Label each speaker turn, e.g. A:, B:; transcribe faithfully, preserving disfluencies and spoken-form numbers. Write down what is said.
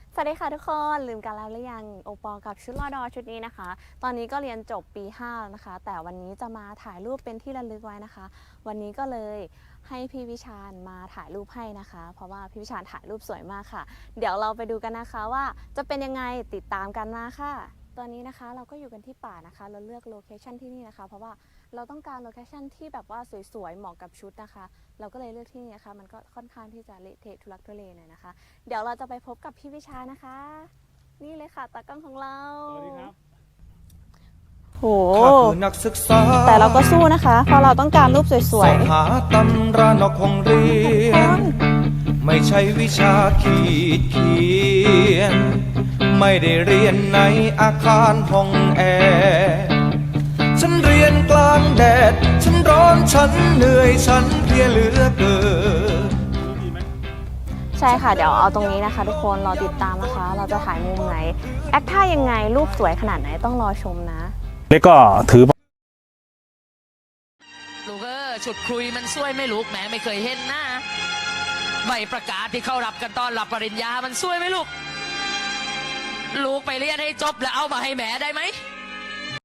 A: สวัสดีค่ะทุกคนลืมกันแล้วหรือยังโอปอกับชุดรอดอชุดนี้นะคะตอนนี้ก็เรียนจบปีห้าแล้วนะคะแต่วันนี้จะมาถ่ายรูปเป็นที่ระลึกไว้นะคะ วันนี้ก็เลยให้พี่วิชาญมาถ่ายรูปให้นะคะ เพราะว่าพี่วิชาญถ่ายรูปสวยมากค่ะเดี๋ยวเราไปดูกันนะคะว่าจะเป็นยังไงติดตามกันมาค่ะตอนนี้นะคะเราก็อยู่กันที่ป่านะคะเราเลือกโลเคชั่นที่นี่นะคะเพราะว่าเราต้องการโลเคชั่นที่แบบว่าสวยๆเหมาะกับชุดนะคะเราก็เลยเลือกที่นี่นะคะมันก็ค่อนข้างที่จะเละเทะทุลักทุเลหน่อยนะคะเดี๋ยวเราจะไปพบกับพี่วิชานะคะ นี่เลยค่ะตากล้องของเราสวัสดีครับโหแต่เราก็สู้นะคะเพราะเราต้องการรูปสวยๆ
B: หาตำรานอกห้องเรียนไม่ใช่วิชาขีดเขียนไม่ได้เรียนในอาคารห้องแอร์ฉันเรียนกลางแดดฉันร้อนฉันเหนื่อยฉันเพลียเหลือเกิน
A: ใช่ค่ะเดี๋ยวเอาตรงนี้นะคะทุกคนรอติดตามนะคะเราจะถ่ายมุมไหนแอคท่ายังไงรูปสวยขนาดไหนต้องรอชมนะ
C: แล้วก็ถือ
D: ลูกเออฉุดคุยมันช่วยไม่ลูกแหมไม่เคยเห็นหน้าใบประกาศที่เขารับกันตอนรับปริญญามันช่วยไหมลูกลูกไปเรียนให้จบแล้วเอามาให้แหมได้ไหม